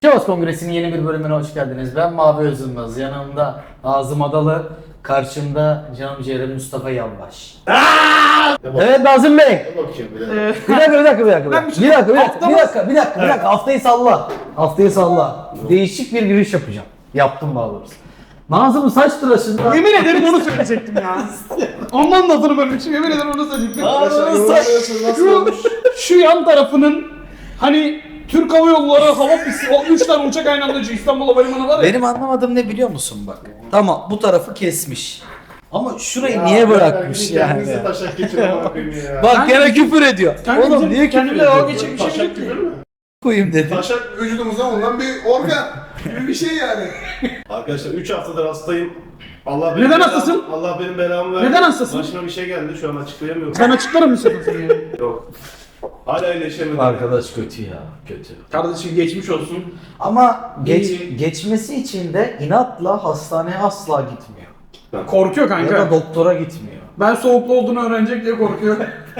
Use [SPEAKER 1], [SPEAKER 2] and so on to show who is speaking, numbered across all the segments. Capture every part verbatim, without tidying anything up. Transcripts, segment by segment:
[SPEAKER 1] Sivas Kongresi'nin yeni bir bölümüne hoş geldiniz. Ben Mavi Özülmez. Yanımda Nazım Adalı, karşımda canım ciğerim Mustafa Yalvaş. Evet Nazım Bey.
[SPEAKER 2] Bakayım bir
[SPEAKER 1] Ee, bir dakika bir dakika bir dakika. Bir dakika bir dakika bir dakika bir dakika bir dakika, bir dakika. Haftayı salla. Haftayı salla. Değişik bir giriş yapacağım. Yaptım daha doğrusu. Nazım'ın saç tıraşında...
[SPEAKER 3] Yemin ederim onu söyleyecektim ya. Ondan da hatırlamıyorum. Yemin ederim onu söyleyecektim.
[SPEAKER 1] Nazım'ın saç...
[SPEAKER 3] Şu, şu yan tarafının hani Türk Hava Yolları hava pisti, o üç tane uçak aynı anda İstanbul Havalimanı var ya.
[SPEAKER 1] Benim anlamadığım ne biliyor musun bak? Tamam bu tarafı kesmiş. Ama şurayı niye bırakmış yani?
[SPEAKER 2] Kendinizi taşak geçirin bakayım ya.
[SPEAKER 1] Bak gene küfür ediyor.
[SPEAKER 3] Kanka
[SPEAKER 1] Oğlum
[SPEAKER 3] bizim
[SPEAKER 1] niye küfür
[SPEAKER 3] kendimle
[SPEAKER 1] ediyor?
[SPEAKER 3] dalga geçecek bir şey
[SPEAKER 2] Taşak
[SPEAKER 3] yok ki.
[SPEAKER 2] küfür mü?
[SPEAKER 1] Koyayım dedi.
[SPEAKER 2] Taşak vücudumuza bulunan bir organ gibi bir şey yani. Arkadaşlar üç haftadır hastayım. Allah benim
[SPEAKER 3] Neden
[SPEAKER 2] belamı-
[SPEAKER 3] hastasın?
[SPEAKER 2] Allah benim belamı verdi.
[SPEAKER 3] Neden hastasın?
[SPEAKER 2] Başıma bir şey geldi şu an açıklayamıyorum.
[SPEAKER 3] Sen açıklar mısın sen yani?
[SPEAKER 2] Yok. Hala iyileşemedim.
[SPEAKER 1] Arkadaş kötü ya, kötü.
[SPEAKER 3] Kardeşim geçmiş olsun.
[SPEAKER 1] Ama geç,
[SPEAKER 3] İyi.
[SPEAKER 1] geçmesi için de inatla hastaneye asla gitmiyor.
[SPEAKER 3] Korkuyor
[SPEAKER 1] Ya
[SPEAKER 3] kanka.
[SPEAKER 1] da doktora gitmiyor.
[SPEAKER 3] Ben soğuklu olduğunu öğrenecek diye korkuyor.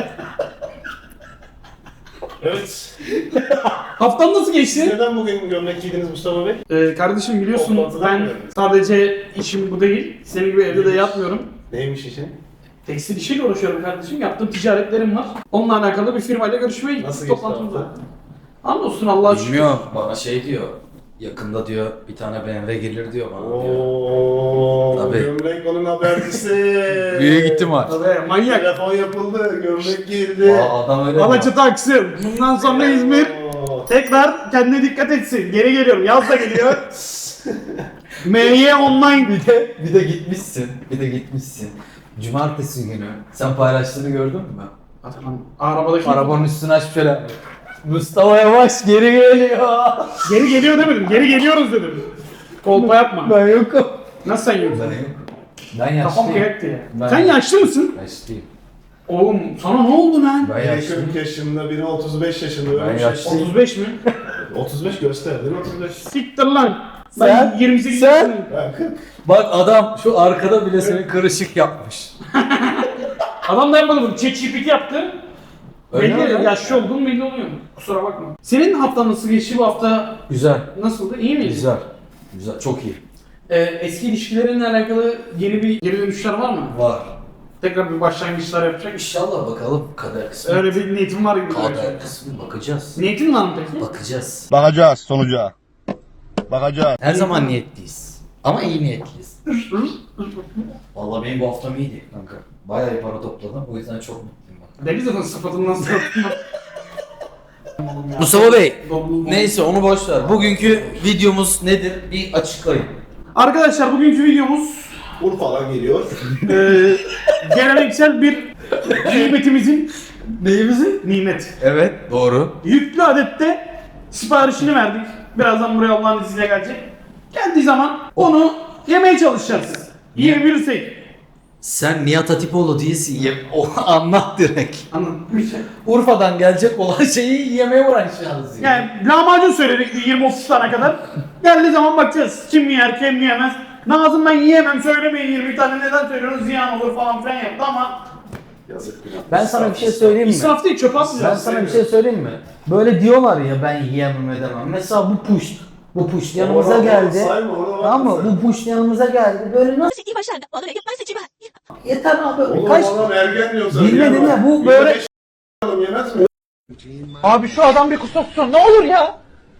[SPEAKER 2] Evet.
[SPEAKER 3] Haftan nasıl geçti?
[SPEAKER 2] Neden bugün gömlek giydiniz Mustafa Bey?
[SPEAKER 3] Ee, kardeşim biliyorsun
[SPEAKER 2] Toplantıdan
[SPEAKER 3] ben
[SPEAKER 2] mı?
[SPEAKER 3] sadece işim bu değil. Senin gibi evde de yatmıyorum.
[SPEAKER 2] Neymiş işin?
[SPEAKER 3] Tekstil işiyle uğraşıyorum kardeşim. Yaptığım ticaretlerim var. Onunla alakalı bir firmayla görüşmeye gittik.
[SPEAKER 2] Nasıl geçti
[SPEAKER 3] toplantımıza.
[SPEAKER 2] hafta?
[SPEAKER 3] Hamdolsun Allah'a şükür.
[SPEAKER 1] Bilmiyor, bana şey diyor. Yakında diyor bir tane B M W gelir diyor bana diyor.
[SPEAKER 2] Ooo.
[SPEAKER 1] Tabii.
[SPEAKER 2] Gömlek onun habercisi.
[SPEAKER 1] Büyük ihtimal.
[SPEAKER 3] Tabii manyak.
[SPEAKER 2] Telefon yapıldı, gömlek girdi.
[SPEAKER 1] Aa, adam öyle diyor.
[SPEAKER 3] Alaçatı aksın. Bundan sonra İzmir
[SPEAKER 2] Oo.
[SPEAKER 3] tekrar kendine dikkat etsin. Geri geliyorum. Yaz da geliyor. M Y online.
[SPEAKER 1] Bir de, bir de gitmişsin, bir de gitmişsin. Cumartesi günü sen paylaştığını gördün mü?
[SPEAKER 3] Arabadaki.
[SPEAKER 1] Arabanın üstünü açıp şöyle Mustafa Yavaş geri geliyor.
[SPEAKER 3] Geri geliyor demedim. Geri geliyoruz dedim. Kolpa yapma.
[SPEAKER 1] Ben yokum.
[SPEAKER 3] Nasıl sen yoksun?
[SPEAKER 1] Ben yokum. Ben
[SPEAKER 3] Kafam
[SPEAKER 1] yaşlıyım.
[SPEAKER 3] kıyak diye.
[SPEAKER 1] Ben-
[SPEAKER 3] Sen yaşlı mısın?
[SPEAKER 1] Yaşlıyım.
[SPEAKER 3] Oğlum sana ne oldu lan?
[SPEAKER 1] Ben
[SPEAKER 2] Biri
[SPEAKER 1] yaşlıyım.
[SPEAKER 2] kırk yaşında, biri otuz beş yaşında.
[SPEAKER 1] Ben
[SPEAKER 2] Öyle bir şey.
[SPEAKER 1] yaşlıyım.
[SPEAKER 3] otuz beş mi?
[SPEAKER 2] otuz beş göster değil mi otuz beş?
[SPEAKER 3] Siktir lan. Ben
[SPEAKER 1] Sen-
[SPEAKER 3] yirmi sekiz
[SPEAKER 1] sen-
[SPEAKER 3] yaşındayım.
[SPEAKER 2] Ben kırk.
[SPEAKER 1] Bak adam şu arkada bile seni kırışık yapmış.
[SPEAKER 3] Adam da yapmadı bunu. ChatGPT yaptı.
[SPEAKER 1] Öyle
[SPEAKER 3] Belli
[SPEAKER 1] mi?
[SPEAKER 3] yaşlı olduğun belli oluyor. Kusura bakma. Senin haftan nasıl geçti bu hafta?
[SPEAKER 1] Güzel.
[SPEAKER 3] Nasıldı? İyi miydi?
[SPEAKER 1] Güzel. Güzel. Çok iyi.
[SPEAKER 3] Ee, eski ilişkilerinle alakalı yeni bir geri dönüşler var mı?
[SPEAKER 1] Var.
[SPEAKER 3] Tekrar bir başlangıçlar yapacak.
[SPEAKER 1] İnşallah bakalım kader kısmı.
[SPEAKER 3] Öyle bir niyetim var gibi.
[SPEAKER 1] Kader kısmı bakacağız.
[SPEAKER 3] Niyetin var mı peki?
[SPEAKER 1] Bakacağız.
[SPEAKER 4] Bakacağız sonuca. Bakacağız.
[SPEAKER 1] Her zaman niyetliyiz. Ama iyi niyetliyiz. Vallahi benim bu haftam iyiydi kanka. Bayağı iyi para topladım. O yüzden çok mutluyum ben.
[SPEAKER 3] Deli zaten sıfatından sıfatından.
[SPEAKER 1] Mustafa Bey, neyse onu boş ver. Bugünkü videomuz nedir? Bir açıklayın.
[SPEAKER 3] Arkadaşlar bugünkü videomuz
[SPEAKER 2] Urfa'dan geliyor.
[SPEAKER 3] eee geleneksel bir nimetimizin
[SPEAKER 1] Neyimizi?
[SPEAKER 3] nimet.
[SPEAKER 1] Evet, doğru.
[SPEAKER 3] Yüklü adette siparişini verdik. Birazdan buraya Allah'ın izniyle gelecek. Geldiği zaman onu yemeye çalışacağız. Yiyebilirsek.
[SPEAKER 1] Sen Nihat Hatipoğlu değilsin. Ye o anlat direkt.
[SPEAKER 3] Anladın.
[SPEAKER 1] Urfa'dan gelecek olan şeyi yemeye uğraşacağız.
[SPEAKER 3] Yani lahmacun söyledik bir yirmi otuz tane kadar. Geldiği zaman bakacağız. Kim yer, kim yiyemez. Nazım ben yiyemem söylemeyin yirmi tane neden söylüyorsunuz ziyan olur falan filan yaptı ama
[SPEAKER 2] Yazık günah.
[SPEAKER 1] Ben sana bir şey söyleyeyim mi?
[SPEAKER 3] israf değil çöp
[SPEAKER 1] Ben
[SPEAKER 3] atmayacağız.
[SPEAKER 1] sana bir şey söyleyeyim mi? Böyle diyorlar ya ben yiyemem edemem. Mesela bu push. Bu push yanımıza
[SPEAKER 2] Ona-
[SPEAKER 1] geldi.
[SPEAKER 2] ona sayma, ona bakma
[SPEAKER 1] Tamam mı?
[SPEAKER 2] sen.
[SPEAKER 1] Bu push yanımıza geldi. Böyle nasıl
[SPEAKER 5] 自己完善的，我的人要自己吧。
[SPEAKER 1] yeter abi.
[SPEAKER 2] Oğlum
[SPEAKER 1] Kaç
[SPEAKER 2] adam ergen diyor sana.
[SPEAKER 1] Bilmedin ya, bu böyle-
[SPEAKER 2] yirmi beş adam yemez mi?
[SPEAKER 3] Abi şu adam bir kusursun ne olur ya.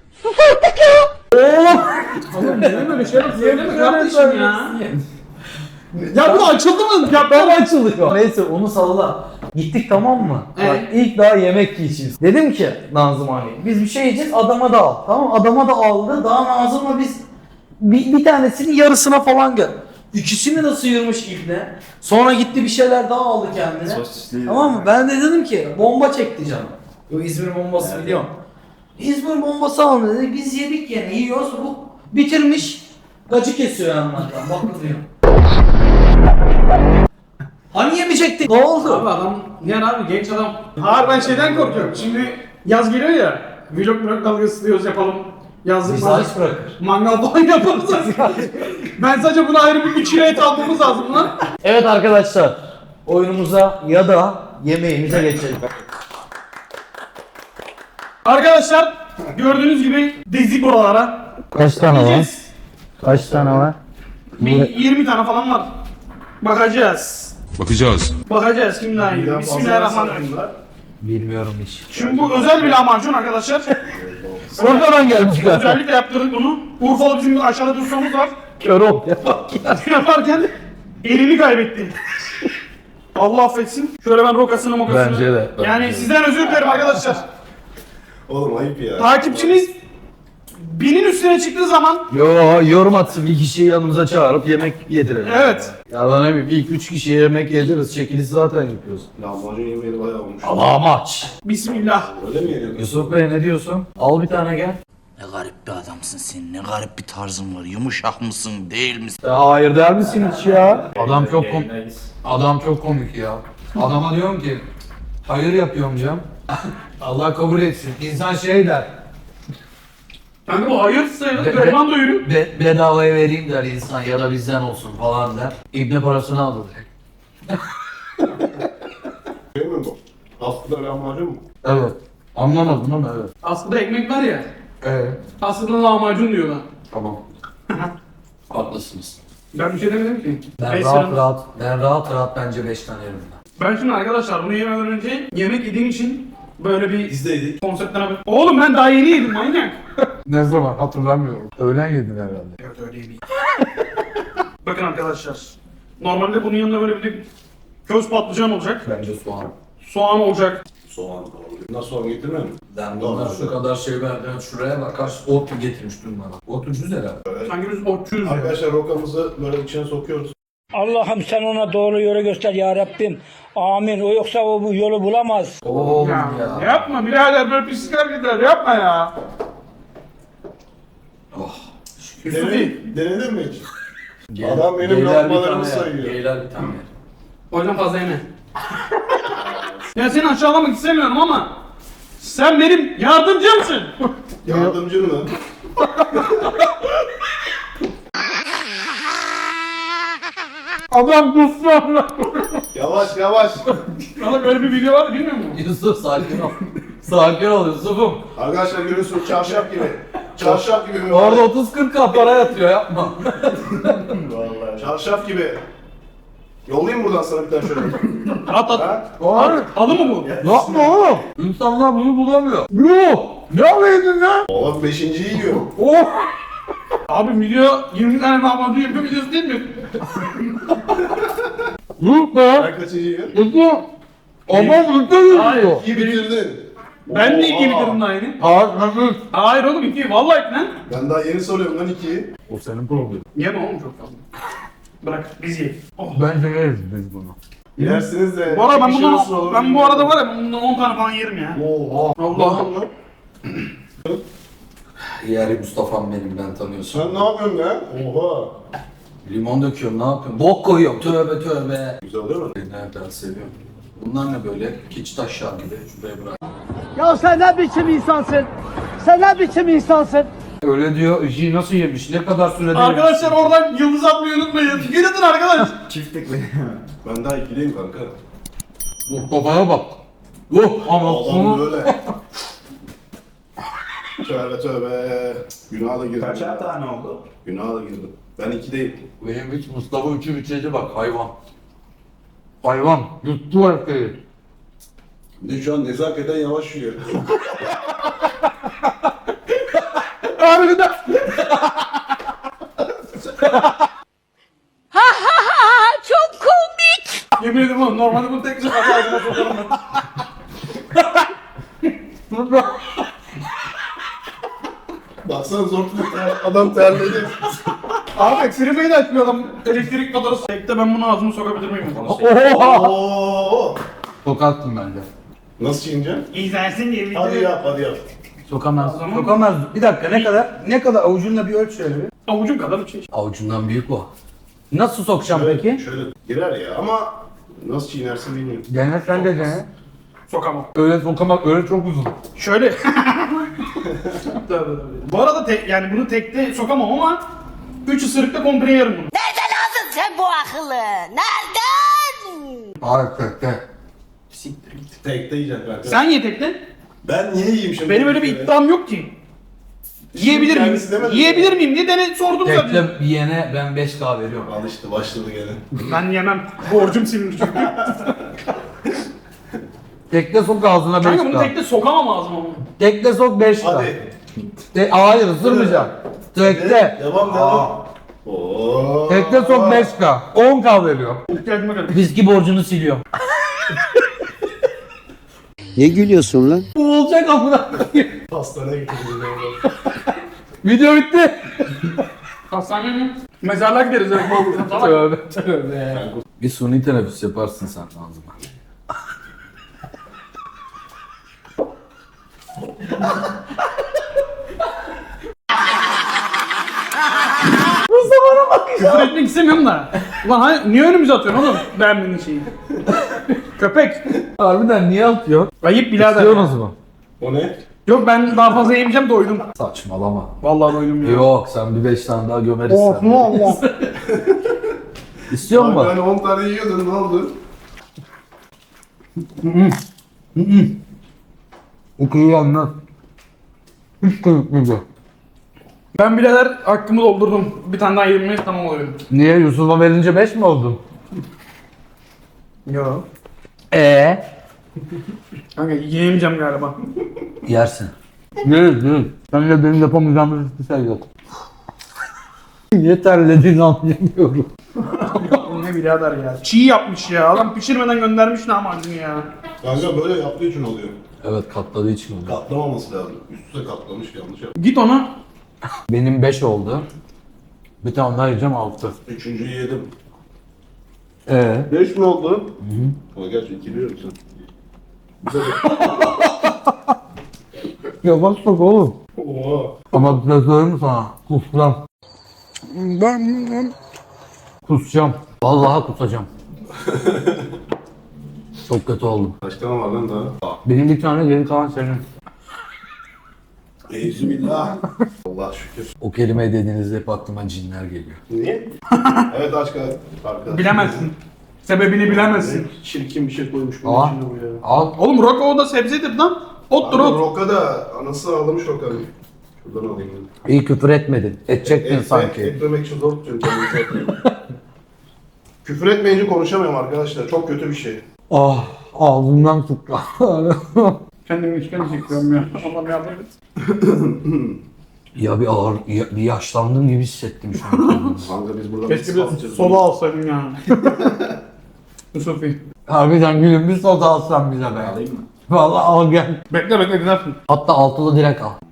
[SPEAKER 1] Oğlum.
[SPEAKER 3] Oğlum niye böyle şeyler söyleme kardeşim ya. Ya bu açıldı mı? Ya
[SPEAKER 1] Ben
[SPEAKER 3] ben
[SPEAKER 1] açılıyor. Neyse onu salla. Gittik tamam mı?
[SPEAKER 3] Evet.
[SPEAKER 1] Bak ilk daha yemek yiyeceğiz. Dedim ki Nazım abi biz bir şey yiyeceğiz adama da al. Tamam adama da aldı. Daha Nazım'la biz bir, bir tanesinin yarısına falan gel. İkisini de sıyırmış ibne. Sonra gitti bir şeyler daha aldı kendine.
[SPEAKER 2] Sosisli.
[SPEAKER 1] Tamam mı? Ben de dedim ki bomba çekti canım. O İzmir bombası biliyorum. İzmir bombası aldı dedi. Biz yedik yani yiyoruz. Bu bitirmiş. Gacı kesiyor yanlardan. Bakılıyor. Hani yemeyecektik? Ne oldu?
[SPEAKER 3] Abi adam yani abi genç adam. Hayır ben şeyden korkuyorum. Şimdi yaz geliyor ya. Vlog vlog dalgası diyoruz yapalım. Yazlık
[SPEAKER 1] Bizi
[SPEAKER 3] mangal,
[SPEAKER 1] aç bırakır.
[SPEAKER 3] mangal falan yaparız. Ben sadece buna ayrı bir üç kilo et almamız lazım lan.
[SPEAKER 1] Evet arkadaşlar. Oyunumuza ya da yemeğimize geçelim.
[SPEAKER 3] Arkadaşlar Gördüğünüz gibi dizi buralara.
[SPEAKER 1] Kaç tane var?
[SPEAKER 3] Yiyeceğiz.
[SPEAKER 1] Kaç tane var?
[SPEAKER 3] Bir yirmi tane falan var. Bakacağız.
[SPEAKER 5] Bakacağız.
[SPEAKER 3] Bakacağız kim daha iyi.
[SPEAKER 2] Birden
[SPEAKER 3] Bismillahirrahmanirrahim.
[SPEAKER 2] fazla var.
[SPEAKER 1] Bilmiyorum hiç.
[SPEAKER 3] Şimdi bu özel bir lahmacun arkadaşlar.
[SPEAKER 1] Oradan gelmişler.
[SPEAKER 3] Özellikle yaptırdık bunu. Urfalı bizim bir aşağıda ustamız var.
[SPEAKER 1] Kör ol.
[SPEAKER 3] Yaparken elini kaybetti. Allah affetsin. Şöyle ben rokasını mokasını.
[SPEAKER 1] Bence de, bence
[SPEAKER 3] Yani
[SPEAKER 1] de.
[SPEAKER 3] sizden özür dilerim arkadaşlar.
[SPEAKER 2] Oğlum ayıp ya.
[SPEAKER 3] Takipçiniz binin üstüne çıktığı zaman
[SPEAKER 1] Yo, yorum atsın, bir kişiyi yanımıza çağırıp yemek yedirelim.
[SPEAKER 3] evet.
[SPEAKER 1] Ya lan ne bileyim, ilk üç kişiye yemek yediririz. Çekiliş zaten yapıyoruz.
[SPEAKER 2] Lahmacun yemeği bayağı olmuş.
[SPEAKER 1] Allah'a maç.
[SPEAKER 3] Bismillah.
[SPEAKER 2] Öyle mi yeniyor?
[SPEAKER 1] Yusuf Bey ne diyorsun? Al bir tane gel.
[SPEAKER 6] Ne garip bir adamsın sen. Ne garip bir tarzın var. Yumuşak mısın, değil misin?
[SPEAKER 1] Ya hayır der misin hiç ya? Adam çok komik. Adam çok komik ya. Adama diyorum ki hayır yapıyorum diyorum. Allah kabul etsin. İnsan şey der.
[SPEAKER 3] Yani bu hayır sayılır.
[SPEAKER 1] Be-
[SPEAKER 3] Gariban doyurur.
[SPEAKER 1] Be bedavaya vereyim der insan ya da bizden olsun falan der. İbne parasını alır.
[SPEAKER 2] Şey mi bu? Aslında lahmacun mu?
[SPEAKER 1] Evet. Anlamadın ama evet.
[SPEAKER 3] Aslında ekmek var ya.
[SPEAKER 1] Evet.
[SPEAKER 3] Aslında lahmacun diyorlar.
[SPEAKER 1] Tamam. Haklısınız.
[SPEAKER 3] Ben bir şey demedim ki.
[SPEAKER 1] Ben
[SPEAKER 3] Beş
[SPEAKER 1] rahat
[SPEAKER 3] sıra-
[SPEAKER 1] rahat, ben rahat rahat bence beş tane yerim ben.
[SPEAKER 3] Ben şimdi arkadaşlar bunu yemeden önce yemek yediğim için böyle bir
[SPEAKER 2] İzdeydik.
[SPEAKER 3] konseptten haber. Oğlum ben daha yeni yedim manyak.
[SPEAKER 1] Ne zaman hatırlamıyorum. Öğlen yedin herhalde.
[SPEAKER 3] Evet öyle yemeyeyim. Bakın arkadaşlar. Normalde bunun yanında böyle bir de köz patlıcan olacak.
[SPEAKER 1] Bence soğan.
[SPEAKER 3] Soğan olacak.
[SPEAKER 2] Soğan. Bundan soğan getirmiyor mu?
[SPEAKER 1] Ben bunlar şu kadar şey verdim. Şuraya bak kaç ot getirmiş dün bana. Ot ucuz herhalde.
[SPEAKER 3] Sanki biz otçuyuz ya.
[SPEAKER 2] Arkadaşlar rokamızı böyle içine sokuyoruz.
[SPEAKER 7] Allah'ım sen ona doğru yolu göster ya Rabbim. Amin. O yoksa o bu yolu bulamaz.
[SPEAKER 1] Oğlum
[SPEAKER 3] Ya,
[SPEAKER 1] ya.
[SPEAKER 3] yapma birader böyle pislik hareketler yapma ya.
[SPEAKER 1] Oh.
[SPEAKER 2] Denedin, denedin mi hiç? Adam benim
[SPEAKER 1] Geyler bir
[SPEAKER 2] lokmalarımı
[SPEAKER 1] tane yer,
[SPEAKER 2] sayıyor.
[SPEAKER 1] Geyler bir tane yer.
[SPEAKER 3] Hocam fazla yeme. Ya seni aşağılamak istemiyorum ama sen benim yardımcımsın.
[SPEAKER 2] Yardımcın mı?
[SPEAKER 3] Adam kustu Allah.
[SPEAKER 2] Yavaş yavaş.
[SPEAKER 3] Valla böyle bir video var bilmiyor musun?
[SPEAKER 1] Yusuf sakin ol. Sakin ol Yusuf'um.
[SPEAKER 2] Arkadaşlar görüyorsunuz çarşaf gibi. Çarşaf gibi mi?
[SPEAKER 1] Orada otuz kırk kat para yatıyor yapma.
[SPEAKER 2] Vallahi. Çarşaf gibi. Yollayayım buradan sana bir tane şöyle.
[SPEAKER 3] At at.
[SPEAKER 2] Ha?
[SPEAKER 1] Var.
[SPEAKER 3] Alı mı bu?
[SPEAKER 1] Yapma oğlum. İnsanlar bunu bulamıyor. Yok. Ne yapıyordun ya?
[SPEAKER 2] Oğlum beşinciyi yiyor.
[SPEAKER 1] Oh.
[SPEAKER 3] Abi video yirmi tane lahmacun yapıyor videosu değil mi?
[SPEAKER 1] Yok be.
[SPEAKER 2] Sen kaçıncı yiyorsun?
[SPEAKER 1] Yusuf. Ama mutlu
[SPEAKER 3] Hayır.
[SPEAKER 1] yusuf.
[SPEAKER 2] İyi bitirdin.
[SPEAKER 3] Ben de iki
[SPEAKER 2] Oha.
[SPEAKER 3] bitirdim daha yeni.
[SPEAKER 1] Hayır nasıl?
[SPEAKER 3] Hayır oğlum iki. Vallahi iki lan.
[SPEAKER 2] Ben daha yeni soruyorum lan ikiyi.
[SPEAKER 1] O senin problemin.
[SPEAKER 3] Yeme oğlum çok fazla. Bırak biz yiyelim. Oh.
[SPEAKER 1] Bence yeriz biz bunu.
[SPEAKER 2] Yersiniz de.
[SPEAKER 3] Bu arada ben
[SPEAKER 2] bir şey nasıl
[SPEAKER 3] bundan,
[SPEAKER 2] olur
[SPEAKER 3] ben bu
[SPEAKER 2] bilmiyorum.
[SPEAKER 3] arada var ya ben bundan on tane falan yerim ya.
[SPEAKER 2] Oha.
[SPEAKER 3] Allah Allah.
[SPEAKER 1] Yeri Mustafa'm benim ben tanıyorsun.
[SPEAKER 2] Sen ne yapıyorsun be? Oha.
[SPEAKER 1] Limon döküyorum ne yapıyorum? Bok koyuyorum tövbe tövbe.
[SPEAKER 2] Güzel oluyor mu?
[SPEAKER 1] Nereden seviyorum. Bunlar ne böyle? Kiç taşlar gibi. Şuraya bırak.
[SPEAKER 8] Ya sen ne biçim insansın? Sen ne biçim insansın?
[SPEAKER 1] Öyle diyor. İşi nasıl yemiş? Ne kadar sürede
[SPEAKER 3] Arkadaşlar oradan yıldız atmayı unutmayın. Yürüdün arkadaş.
[SPEAKER 2] Ben daha ikiliyim kanka.
[SPEAKER 1] Bu kafaya bak. Bu ama
[SPEAKER 2] Adam
[SPEAKER 1] onu...
[SPEAKER 2] böyle. Tövbe tövbe. Günaha da girdim.
[SPEAKER 9] Kaçar tane oldu?
[SPEAKER 2] Günaha da girdim. Ben ikideyim.
[SPEAKER 1] Benim hiç Mustafa üçü bitirdi bak hayvan. Hayvan. Yuttu erkeği.
[SPEAKER 2] Bir de şu an nezaketen yavaş yiyor.
[SPEAKER 1] Harbiden.
[SPEAKER 10] Çok komik.
[SPEAKER 3] Yemin ederim oğlum normalde bunu tek sefer ağzıma sokarım ben.
[SPEAKER 2] Baksana zor tutuyor. Adam terledi.
[SPEAKER 3] Abi ekserimeyi de açmıyor adam. Elektrik faturası. Tekte ben bunu ağzıma sokabilir miyim?
[SPEAKER 1] Oha.
[SPEAKER 2] Oo.
[SPEAKER 1] Sokaktım bence.
[SPEAKER 2] Nasıl çiğneceksin?
[SPEAKER 3] İzlensin diye
[SPEAKER 2] Hadi yap hadi yap.
[SPEAKER 1] Sokamaz. Sokamaz. Bir dakika ne kadar? Ne kadar avucunla bir ölç şöyle bir.
[SPEAKER 3] Avucum kadar bir şey.
[SPEAKER 1] Avucundan büyük bu. Nasıl sokacağım
[SPEAKER 2] Şöyle,
[SPEAKER 1] peki?
[SPEAKER 2] şöyle girer ya ama nasıl çiğnersin bilmiyorum.
[SPEAKER 1] Dene sen de dene.
[SPEAKER 3] Sokamam.
[SPEAKER 1] Öyle sokamak öyle çok uzun.
[SPEAKER 3] Şöyle. Tabii, tabii. Bu arada tek, yani bunu tekte sokamam ama üç ısırıkta komple yerim bunu.
[SPEAKER 10] Nereden aldın sen bu akıllı? Nereden?
[SPEAKER 1] Hayır tekte.
[SPEAKER 2] Tekte yiyeceksin kanka.
[SPEAKER 3] Sen ye tekte.
[SPEAKER 2] Ben niye yiyeyim şimdi?
[SPEAKER 3] Benim öyle bir iddiam yok ki. Yiyebilir miyim?
[SPEAKER 2] Kendisi demedi mi?
[SPEAKER 3] Yiyebilir miyim diye dene sordum zaten.
[SPEAKER 1] Tekle yene ben beş K veriyorum.
[SPEAKER 2] Al işte başladı gene.
[SPEAKER 3] Ben yemem. Borcum silinir çünkü.
[SPEAKER 1] Tekle sok ağzına beş
[SPEAKER 3] Kanka bunu
[SPEAKER 1] K.
[SPEAKER 3] tekte sokamam ağzıma bunu.
[SPEAKER 1] Tekle sok beş K.
[SPEAKER 2] Hadi.
[SPEAKER 1] De, hayır ısırmayacak. Tekle.
[SPEAKER 2] Devam devam. Oo.
[SPEAKER 1] Tekle sok beş K. on K veriyorum.
[SPEAKER 3] İhtiyacıma kadar.
[SPEAKER 1] Viski borcunu siliyor.
[SPEAKER 8] Ne gülüyorsun lan?
[SPEAKER 1] Bu olacak amına koyayım.
[SPEAKER 2] Hastaneye götürdüm.
[SPEAKER 1] Video bitti.
[SPEAKER 3] Hastane mi? Mezarlığa gideriz. Evet, salak.
[SPEAKER 1] Tövbe tövbe. Bir suni teneffüs yaparsın sen ağzıma.
[SPEAKER 3] Küfür etmek istemiyorum da. Ulan hani niye önümüze atıyorsun oğlum beğenmediğin şeyi? Köpek.
[SPEAKER 1] Harbiden niye atıyor?
[SPEAKER 3] Ayıp birader.
[SPEAKER 1] İstiyorsunuz mu?
[SPEAKER 2] O ne?
[SPEAKER 3] Yok ben daha fazla yemeyeceğim doydum.
[SPEAKER 1] Saçmalama.
[SPEAKER 3] Vallahi doydum ya.
[SPEAKER 1] Yok sen bir beş tane daha gömeriz
[SPEAKER 3] Oh
[SPEAKER 1] sen.
[SPEAKER 3] Allah.
[SPEAKER 1] İstiyor
[SPEAKER 2] Abi
[SPEAKER 1] musun?
[SPEAKER 2] hani on tane yiyordun ne oldu?
[SPEAKER 1] Okuyu anlat. Hiç kırıkmayacak.
[SPEAKER 3] Ben birader hakkımı doldurdum. Bir tane daha yedim mi tamam oluyor.
[SPEAKER 1] Niye Yusuf'a verince beş mi oldun?
[SPEAKER 3] Yok.
[SPEAKER 1] Ee?
[SPEAKER 3] Kanka yiyemeyeceğim galiba.
[SPEAKER 1] Yersin. Yeriz yeriz. Seninle benim yapamayacağımız hiçbir şey yok. Niye terlediğini anlayamıyorum.
[SPEAKER 3] Bu ne birader ya. Çiğ yapmış ya. Adam pişirmeden göndermiş lahmacunu ya.
[SPEAKER 2] Kanka böyle yaptığı için oluyor.
[SPEAKER 1] Evet katladığı için oldu.
[SPEAKER 2] Katlamaması lazım. Üst üste katlamış yanlış yaptı.
[SPEAKER 3] Git ona.
[SPEAKER 1] Benim beş oldu. Bir tane daha yiyeceğim altı.
[SPEAKER 2] Üçüncüyü yedim.
[SPEAKER 1] Ee?
[SPEAKER 2] Beş mi oldu? Hı hı. Ama gerçi iki diyorum sen.
[SPEAKER 1] Yavaş bak oğlum.
[SPEAKER 2] Oo.
[SPEAKER 1] Ama bir şey söyleyeyim mi sana? Kusacağım. Kusacağım. Vallahi kusacağım. Çok kötü oldum.
[SPEAKER 2] Kaç tane var lan daha?
[SPEAKER 1] Benim bir tane geri kalan senin.
[SPEAKER 2] Eyzübillah. Allah şükür.
[SPEAKER 1] O kelimeyi dediğinizde hep aklıma cinler geliyor.
[SPEAKER 2] Niye? Evet aşk arkadaş.
[SPEAKER 3] Bilemezsin. Sebebini bilemezsin.
[SPEAKER 2] Çirkin bir şey koymuş bunun
[SPEAKER 1] Aa.
[SPEAKER 2] içine bu ya.
[SPEAKER 1] Al.
[SPEAKER 3] Oğlum Roko o da sebzedir lan. Ottur
[SPEAKER 2] Abi
[SPEAKER 3] ot.
[SPEAKER 2] Roka da anası ağlamış Roka'nın. Şuradan alayım ben.
[SPEAKER 1] İyi küfür etmedin. Edecektin
[SPEAKER 2] Et-
[SPEAKER 1] sanki.
[SPEAKER 2] Etmemek için zor tutuyorum kendimi. Küfür etmeyince konuşamıyorum arkadaşlar. Çok kötü bir şey.
[SPEAKER 1] Ah ağzımdan tuttu.
[SPEAKER 3] Kendimi işkence çekiyorum ya. Allah'ım yardım et.
[SPEAKER 1] Ya bir ağır, ya- bir yaşlandığım gibi hissettim şu an.
[SPEAKER 2] Kanka biz burada
[SPEAKER 3] Keşke
[SPEAKER 2] nasıl
[SPEAKER 3] bir
[SPEAKER 2] atacağız
[SPEAKER 3] soda
[SPEAKER 2] bunu?
[SPEAKER 3] alsaydım ya. Yusufi.
[SPEAKER 1] Harbiden gülüm bir soda alsan bize be.
[SPEAKER 2] Alayım mı?
[SPEAKER 1] Vallahi al gel.
[SPEAKER 3] Bekle bekle gidersin.
[SPEAKER 1] Hatta altılı direkt al.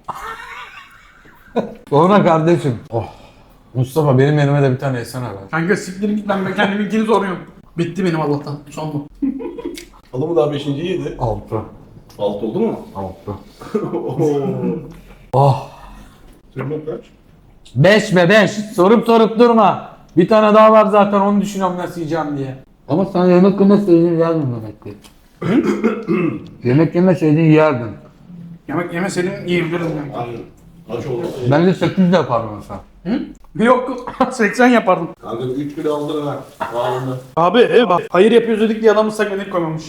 [SPEAKER 1] Sonra kardeşim. Oh. Mustafa benim yerime de bir tane yesene be.
[SPEAKER 3] Kanka siktir git ben kendiminkini soruyorum. Bitti benim Allah'tan. Son bu.
[SPEAKER 2] Alı mı daha beşinci yedi?
[SPEAKER 1] Altı.
[SPEAKER 2] Alt oldu mu?
[SPEAKER 1] Altı.
[SPEAKER 2] Oo.
[SPEAKER 1] Oh.
[SPEAKER 2] Senin kaç?
[SPEAKER 1] Beş be beş. Sorup sorup durma. Bir tane daha var zaten onu düşünüyorum nasıl yiyeceğim diye. Ama sen yemek yemeseydin yerdin demek ki. Yemek yemeseydin yerdin.
[SPEAKER 3] Yemek yemeseydim yiyebilirdim yani.
[SPEAKER 2] Aynen. Aç oldu.
[SPEAKER 1] Ben de sekiz yapardım mesela.
[SPEAKER 3] Yok seksen yapardım.
[SPEAKER 2] Kanka üç kilo aldın ha. Ağzında.
[SPEAKER 3] Abi e, bak hayır yapıyoruz dedik diye adam ıslak mendil koymamış.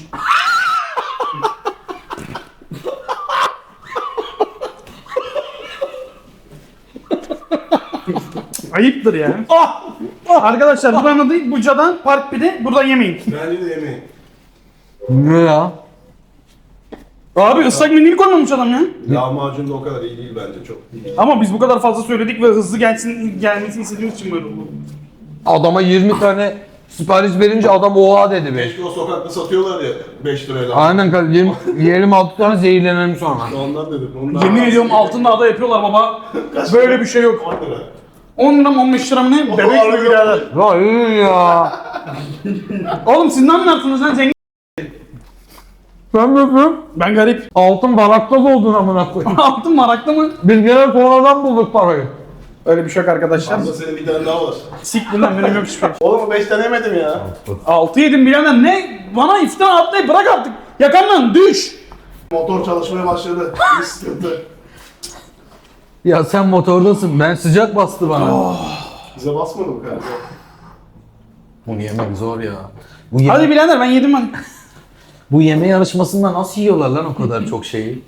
[SPEAKER 3] Ayıptır ya. Ah! Ah! Arkadaşlar buranın adı Buca'dan Park Pide. Burada yemeyin.
[SPEAKER 2] Bence de yemeyin.
[SPEAKER 1] Ne ya?
[SPEAKER 3] Abi ıslak mendil koymamış adam ya.
[SPEAKER 2] Lahmacun da o kadar iyi değil bence çok. İyi.
[SPEAKER 3] Ama biz bu kadar fazla söyledik ve hızlı gelsin gelmesini istediğimiz için böyle oldu.
[SPEAKER 1] Adama yirmi tane sipariş verince adam oha dedi be.
[SPEAKER 2] Keşke o sokakta satıyorlar ya beş lirayla.
[SPEAKER 1] Aynen kardeşim. Yiyelim altı tane zehirlenelim sonra.
[SPEAKER 2] Ondan dedim. Ondan
[SPEAKER 3] Yemin ediyorum altında ada yapıyorlar baba. Böyle bir şey yok.
[SPEAKER 2] on lira.
[SPEAKER 3] on lira mı on beş lira mı ne? Bebek
[SPEAKER 2] harbi
[SPEAKER 3] mi birader?
[SPEAKER 1] Ya iyi ya.
[SPEAKER 3] Oğlum siz ne anlarsınız lan zengin?
[SPEAKER 1] Sen ne yapıyorsun?
[SPEAKER 3] Ben garip.
[SPEAKER 1] Altın baraklaz oldun amına koyayım.
[SPEAKER 3] Altın maraklı mı?
[SPEAKER 1] Biz gene sonradan bulduk parayı.
[SPEAKER 3] Öyle bir şey yok arkadaşlar.
[SPEAKER 2] Aslında senin bir tane daha var.
[SPEAKER 3] Siktir lan benim yok hiçbir şey.
[SPEAKER 2] Oğlum beş tane yemedim ya.
[SPEAKER 3] Altı yedim birader ne? Bana iftira atlayıp bırak artık. Yakamdan düş.
[SPEAKER 2] Motor çalışmaya başladı. Bir sıkıntı.
[SPEAKER 1] Ya sen motordasın. Ben sıcak bastı bana.
[SPEAKER 2] Bize basmadı mı kanka?
[SPEAKER 1] Bunu yemek zor ya. Bu yeme,
[SPEAKER 3] Hadi birader ben yedim ben.
[SPEAKER 1] bu yeme yarışmasında nasıl yiyorlar lan o kadar çok şeyi?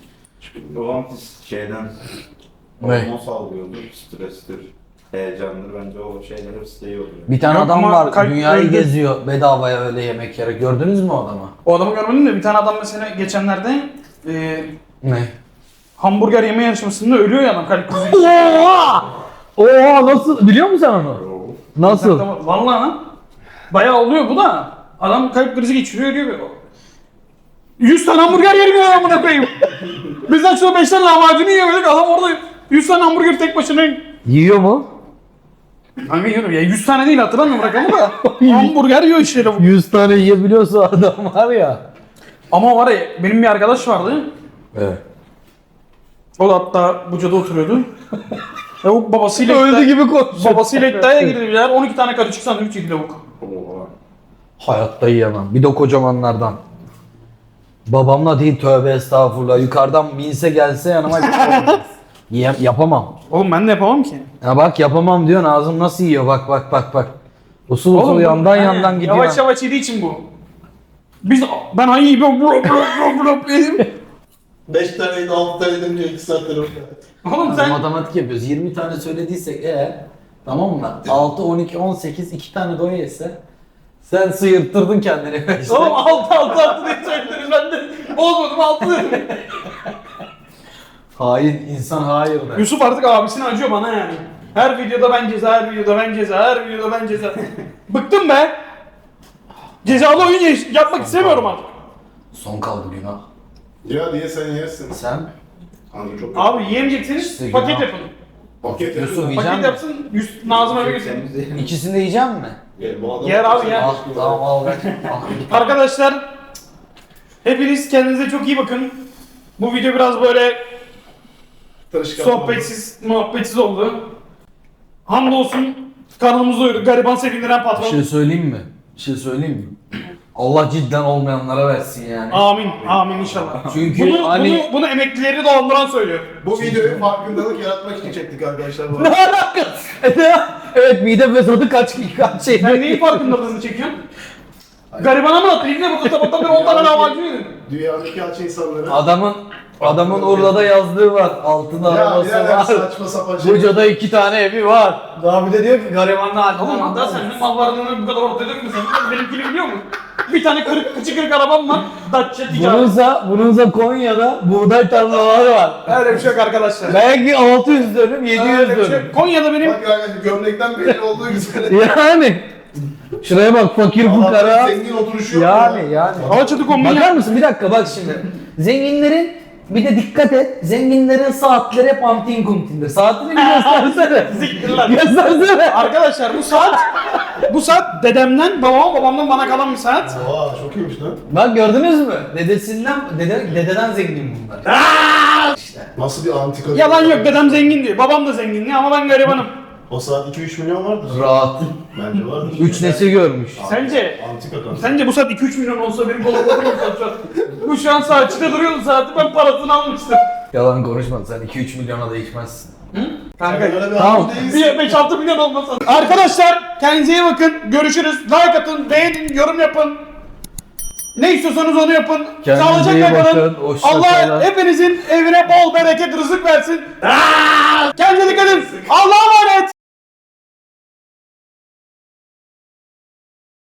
[SPEAKER 5] Babam şeyden
[SPEAKER 1] Ne?
[SPEAKER 5] hormon salgıyordur, strestir, heyecandır. Bence o şeyler hepsi de iyi oluyor.
[SPEAKER 1] Bir tane
[SPEAKER 3] Yok
[SPEAKER 1] adam
[SPEAKER 3] ama
[SPEAKER 1] var
[SPEAKER 3] kalp
[SPEAKER 1] dünyayı
[SPEAKER 3] öldü.
[SPEAKER 1] geziyor bedavaya öyle yemek yiyerek. Gördünüz mü o adamı?
[SPEAKER 3] O adamı görmedin de bir tane adam mesela geçenlerde e,
[SPEAKER 1] Ne?
[SPEAKER 3] hamburger yeme yarışmasında ölüyor ya adam kalp krizi.
[SPEAKER 1] Oha! Oha nasıl? Biliyor musun sen onu? Nasıl?
[SPEAKER 3] Vallahi lan. Bayağı oluyor bu da. Adam kalp krizi geçiriyor ölüyor. yüz tane hamburger yerim ya amına koyayım. Bizden şurada beş tane lahmacunu yiyemedik. Adam orada yüz tane hamburger tek başına.
[SPEAKER 1] Yiyor mu?
[SPEAKER 3] Kanka yiyorum ya yüz tane değil hatırlamıyorum rakamı da. Hamburger yiyor işte bu.
[SPEAKER 1] yüz tane yiyebiliyorsa adam var ya.
[SPEAKER 3] Ama var ya benim bir arkadaş vardı.
[SPEAKER 1] Evet.
[SPEAKER 3] O da hatta Buca'da oturuyordu. E o babasıyla
[SPEAKER 1] Öldü
[SPEAKER 3] iddia-
[SPEAKER 1] gibi konuşuyor.
[SPEAKER 3] babasıyla iddiaya girdiler. on iki tane karışık sandviç yedi lavuk.
[SPEAKER 1] Hayatta yiyemem. Bir de kocamanlardan. Babamla değil tövbe estağfurullah. Yukarıdan minse gelse yanıma Yiyem, yapamam.
[SPEAKER 3] Oğlum ben de yapamam ki.
[SPEAKER 1] Ya bak yapamam diyorsun ağzım nasıl yiyor bak bak bak bak. Usul usul
[SPEAKER 3] Oğlum bu-
[SPEAKER 1] yandan
[SPEAKER 3] yani
[SPEAKER 1] yandan gidiyor.
[SPEAKER 3] Yavaş yavaş yediği için bu. Biz ben hangi gibi bro bro bro bro yedim.
[SPEAKER 2] beş taneydi altı taneydim diyor iki saattir orada.
[SPEAKER 3] Oğlum
[SPEAKER 1] Biz
[SPEAKER 3] sen
[SPEAKER 1] matematik yapıyoruz. yirmi tane söylediysek eğer tamam mı? altı, on iki, on sekiz iki tane doya yese sen sıyırttırdın kendini. İşte.
[SPEAKER 3] oğlum altı altı altı diye söylediniz ben de bozmadım altı dedim.
[SPEAKER 1] Hain insan hayır der.
[SPEAKER 3] Yusuf artık abisine acıyor bana yani. Her videoda ben ceza, her videoda ben ceza, her videoda ben ceza. Bıktım be. Cezalı oyun yaş- yapmak istemiyorum artık.
[SPEAKER 1] Son kaldı günah.
[SPEAKER 2] Ya diye sen yersin.
[SPEAKER 1] Sen
[SPEAKER 2] Anladım çok.
[SPEAKER 3] Abi yiyemeyecekseniz
[SPEAKER 1] İşte
[SPEAKER 3] paket
[SPEAKER 1] günah.
[SPEAKER 3] yapın.
[SPEAKER 2] Paket
[SPEAKER 1] Yusuf
[SPEAKER 2] yapın.
[SPEAKER 1] yiyecek
[SPEAKER 3] Paket
[SPEAKER 1] misin?
[SPEAKER 3] yapsın, Yus- Nazım eve götürsün.
[SPEAKER 1] İkisini de yiyecek mi?
[SPEAKER 2] Gel, bu adam-
[SPEAKER 3] Yer abi, yer.
[SPEAKER 1] Al tamam al ver. Al.
[SPEAKER 3] Arkadaşlar, hepiniz kendinize çok iyi bakın. Bu video biraz böyle
[SPEAKER 2] Tırışkan.
[SPEAKER 3] sohbetsiz, muhabbetsiz oldu. Hamdolsun karnımızı doyurduk. Gariban sevindiren
[SPEAKER 1] Bir
[SPEAKER 3] patron.
[SPEAKER 1] şey söyleyeyim mi? Bir şey söyleyeyim mi? Allah cidden olmayanlara versin yani.
[SPEAKER 3] Amin, amin inşallah.
[SPEAKER 1] Çünkü
[SPEAKER 3] bunu,
[SPEAKER 1] hani-
[SPEAKER 3] bunu, bunu emeklileri dolandıran söylüyor.
[SPEAKER 2] Bu videoyu farkındalık yaratmak için çektik arkadaşlar bu
[SPEAKER 1] Ne
[SPEAKER 2] arada.
[SPEAKER 1] alakası? Evet mide fesadı kaç kaç şey.
[SPEAKER 3] Sen neyin farkındalığını çekiyorsun? Garibana mı attın? İbne burada sabahtan beri on tane lahmacun yedin.
[SPEAKER 2] Dünyadaki aç insanları.
[SPEAKER 1] Adamın adamın Urla'da yazdığı var. Altında
[SPEAKER 2] Ya
[SPEAKER 1] arabası
[SPEAKER 2] birader
[SPEAKER 1] var.
[SPEAKER 2] saçma sapan şey.
[SPEAKER 1] Buca'da iki tane evi var. Daha bir de diyor ki garibanın haline.
[SPEAKER 3] Oğlum hatta senin mal varlığını bu kadar ortaya dökmüyorsun. Benimkini biliyor musun? Bir tane kırık, kıçı kırık arabam var. Dacia ticaret.
[SPEAKER 1] Bununsa, bununsa Konya'da buğday tarlaları var.
[SPEAKER 3] Öyle bir şey yok arkadaşlar.
[SPEAKER 1] Belki altı yüz dönüm, yedi yüz
[SPEAKER 3] Öyle bir şey
[SPEAKER 1] dönüm.
[SPEAKER 3] yok. Konya'da benim...
[SPEAKER 2] Bak yani gömlekten belli olduğu üzere.
[SPEAKER 1] Yani. Şuraya bak fakir
[SPEAKER 2] Adamın
[SPEAKER 1] fukara.
[SPEAKER 2] zengin oturuşu yok
[SPEAKER 1] Yani
[SPEAKER 2] ya.
[SPEAKER 1] yani.
[SPEAKER 3] Alaçatı kombini
[SPEAKER 1] Bakar mısın bir dakika bak şimdi. Zenginlerin bir de dikkat et. Zenginlerin saatleri hep antin kuntindir. Saatini bir göstersene.
[SPEAKER 3] Siktir lan.
[SPEAKER 1] Göstersene.
[SPEAKER 3] Arkadaşlar bu saat... bu saat dedemden, babama, babamdan bana kalan bir saat.
[SPEAKER 2] Oha çok iyiymiş lan.
[SPEAKER 1] Bak gördünüz mü? Dedesinden, dede, dededen zengin bunlar.
[SPEAKER 2] Nasıl bir antika.
[SPEAKER 3] Yalan yok, dedem zengin diyor. Babam da zengin diyor ama ben garibanım.
[SPEAKER 2] O saat iki üç milyon vardır.
[SPEAKER 1] Rahat.
[SPEAKER 2] Bence vardır.
[SPEAKER 1] Üç nesil görmüş.
[SPEAKER 3] Sence...
[SPEAKER 2] Antika kan.
[SPEAKER 3] Sence bu saat iki üç milyon olsa benim dolaplarım olsa şu an. Bu şu an saatçide duruyordu saati, ben parasını almıştım.
[SPEAKER 1] Yalan konuşma sen iki üç milyona da içmezsin.
[SPEAKER 3] Kanka
[SPEAKER 2] Öyle bir
[SPEAKER 1] Tamam.
[SPEAKER 2] adam değilsin.
[SPEAKER 3] bir beş altı milyon olmasa. Arkadaşlar kendinize iyi bakın. Görüşürüz. Like atın, beğenin, yorum yapın. Ne istiyorsanız onu yapın.
[SPEAKER 1] Kendinize iyi
[SPEAKER 3] Sağlıcakla kalın.
[SPEAKER 1] bakın, hoşça
[SPEAKER 3] Allah
[SPEAKER 1] kalın.
[SPEAKER 3] hepinizin evine bol bereket, rızık versin. Kendinize dikkat edin. Allah'a emanet.